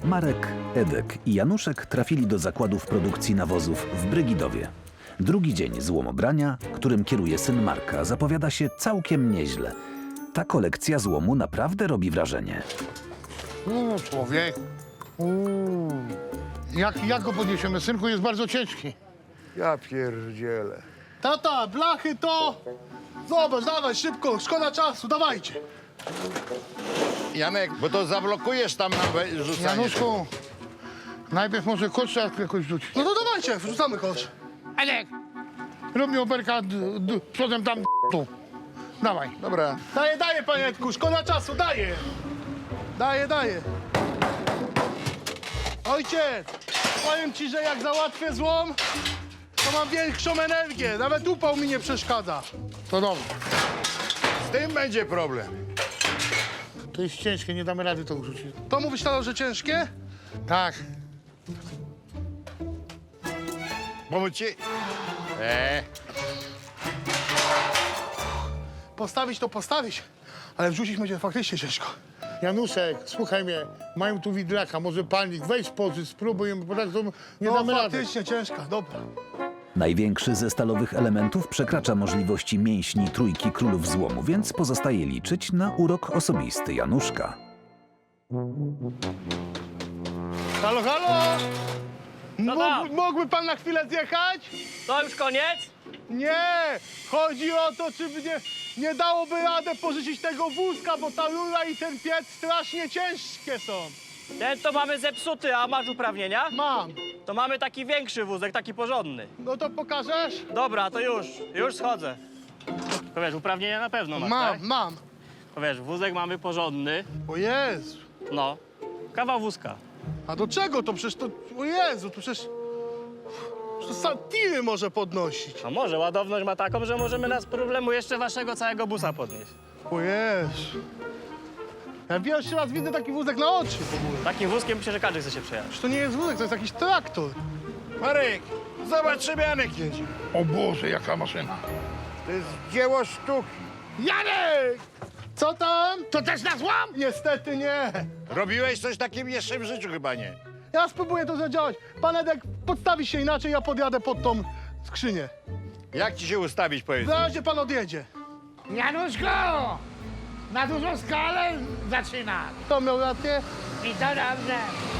Marek, Edek i Januszek trafili do zakładów produkcji nawozów w Brygidowie. Drugi dzień złomobrania, którym kieruje syn Marka, zapowiada się całkiem nieźle. Ta kolekcja złomu naprawdę robi wrażenie. Człowiek. Jak go podniesiemy? Synku, jest bardzo ciężki. Ja pierdzielę. Tata, blachy to... Zobacz, dawaj, szybko, szkoda czasu, dawajcie. Janek, bo to zablokujesz tam na rzucanie. Januszku, najpierw może kosz trzeba jakoś rzucić. No to dawajcie, wrzucamy kosz. Edek, rób mi oberka przodem tam tu. Dawaj. Dobra. Daję, panie Edku, szkoda czasu, daję. Daję. Ojciec, powiem ci, że jak załatwię złom, to mam większą energię. Nawet upał mi nie przeszkadza. To dobrze. Z tym będzie problem. To jest ciężkie, nie damy rady to rzucić. To mówisz, Taro, że ciężkie? Tak. Pomóc ci? Postawić to postawić, ale wrzucić będzie faktycznie ciężko. Januszek, słuchaj mnie, mają tu widlaka, może palnik, weź pozy, spróbuj, bo tak to nie No damy rady. faktycznie ciężka, dobra. Największy ze stalowych elementów przekracza możliwości mięśni trójki królów złomu, więc pozostaje liczyć na urok osobisty Januszka. Halo, halo! tam? Mógłby pan na chwilę zjechać? To już koniec? Nie! Chodzi o to, czy nie dałoby radę pożyczyć tego wózka, bo ta rura i ten piec strasznie ciężkie są. Ten to mamy zepsuty, a masz uprawnienia? Mam. To mamy taki większy wózek, taki porządny. No to pokażesz? Dobra, to już schodzę. To wiesz, uprawnienia na pewno masz, tak? Mam. To wiesz, wózek mamy porządny, O Jezu. no. Kawał wózka. A do czego to? Przecież to... O Jezu, to przecież... To sam tiry może podnosić. A może ładowność ma taką, że możemy bez problemu jeszcze waszego całego busa podnieść. O Jezu. Ja pierwszy raz widzę taki wózek na oczy w ogóle. Takim wózkiem myślę, że każdy chce się przejechać. Przecież to nie jest wózek, to jest jakiś traktor. Marek, zobacz, czym Janek jedzie. O Boże, jaka maszyna. To jest dzieło sztuki. Janek! Co tam? To też na złam? Niestety nie. Robiłeś coś takim jeszcze w życiu chyba nie. Ja spróbuję to zadziałać. Pan Edek podstawi się inaczej, ja podjadę pod tą skrzynię. Jak ci się ustawić, powiedz? Na razie pan odjedzie. Januszko! Na dużą skalę zaczyna. To miał rację? I to dobrze.